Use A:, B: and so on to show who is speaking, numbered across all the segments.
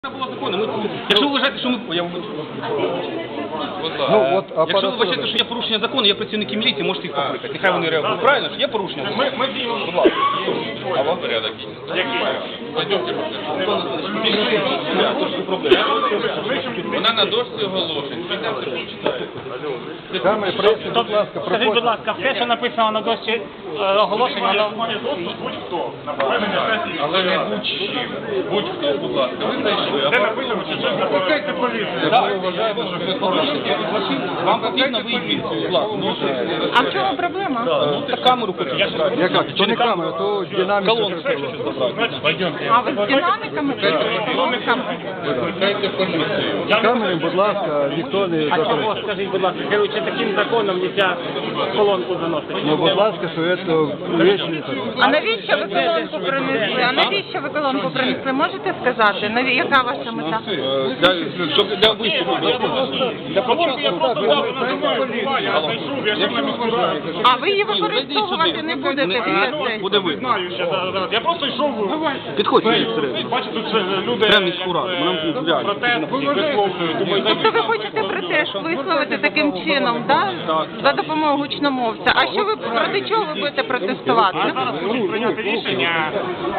A: Було законно. Якщо ви вважаєте, що ми... Якщо ви вважаєте, що є порушення закону, є працівники міліції, можете їх покликати. Нехай вони реагують. Правильно ж? Є порушення?
B: Ми діємо.
A: Будь ласка.
B: А вам порядок? Який? Пойдемте. Вона на дошці оголошень.
C: Скажіть, будь ласка, все, що написано на дошці оголошень, воно...
B: Будь-хто. Але не будь-чим. Будь-хто, будь ласка. Ви знайшли. Де написано, що щось запускайте поліцію. Ми вважаємо, що ви порушите.
A: Вам потрібно виїхати. Будь ласка.
D: А в чому проблема?
A: Ну, так камеру хочу.
E: Яка? То не камера, то динаміка.
A: Колонку хочу забрати.
B: Пойдемте.
D: А ви з динаміками?
B: Викликайте поліцію.
E: З камерою, будь ласка, ніхто не
C: А чого,
E: заперечує.
C: скажіть, будь ласка, керуючи таким законом, нельзя колонку заносити?
E: Ну, будь ласка, що це речі не так.
D: А навіщо ви колонку принесли? А навіщо ви колонку принесли? Можете сказати? Яка ваша мета?
A: Щоб для виступу. Для
D: А ви її використовувати не будете після цього?
A: Буде видно.
B: Знаю, що зараз. Я просто йшов.
A: Підходьте.
B: Бачу, тут люди протест висловлюють. Думаю,
D: Тобто ви хочете протест висловити таким чином, да? За допомогою гучномовця. А що ви проти чого ви будете протестувати?
B: зараз можуть прийняти рішення,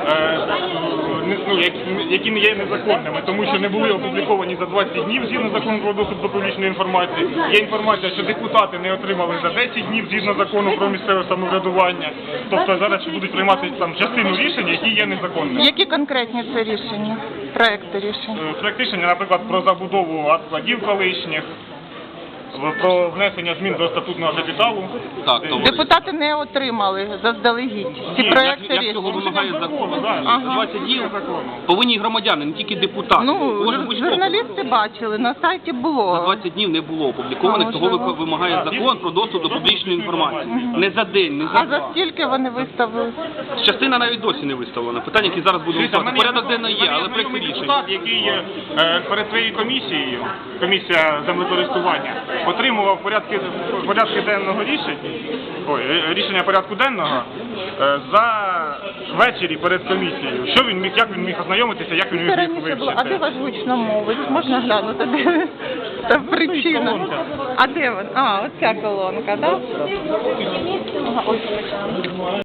B: які не є незаконними, тому що не були опубліковані за 20 днів згідно закону про доступ до публічної інформації. Є інформація, що депутати не отримали за 10 днів згідно закону про місцеве самоврядування. Тобто зараз будуть приймати там частину рішень, які є незаконними.
D: Які конкретні це рішення? Проекти рішень?
B: Проект рішення, наприклад, про забудову складів колишніх, про внесення змін до статутного капіталу.
A: Так, то
D: Депутати не отримали заздалегідь ці проекти
A: як цього
D: рішень.
A: вимагає закон.
D: Ага.
A: 20 днів повинні громадяни, не тільки депутати.
D: Ну,
A: Кожен будь-хто.
D: журналісти бачили, на сайті
A: За
D: було.
A: 20 днів не було опублікованих,
D: А,
A: того
D: можливо.
A: вимагає закон про доступ до публічної інформації. Не за день, не за
D: А за
A: два.
D: скільки вони виставили?
A: Частина навіть досі не виставлена. Питання, які зараз будемо виставити. Порядок денний є, але проєкт рішень.
B: Депутат, який перед своєю комісією, комісія землекористування, отримував порядки денного рішення порядку денного за ввечері перед комісією. Що він міг, як він міг ознайомитися, як він
D: Це
B: міг
D: раніше було. А де
B: вивчити?
D: ваш гучномовець? Можна глянути, де та причина? А де він? А, оця колонка, так? Ага, ось.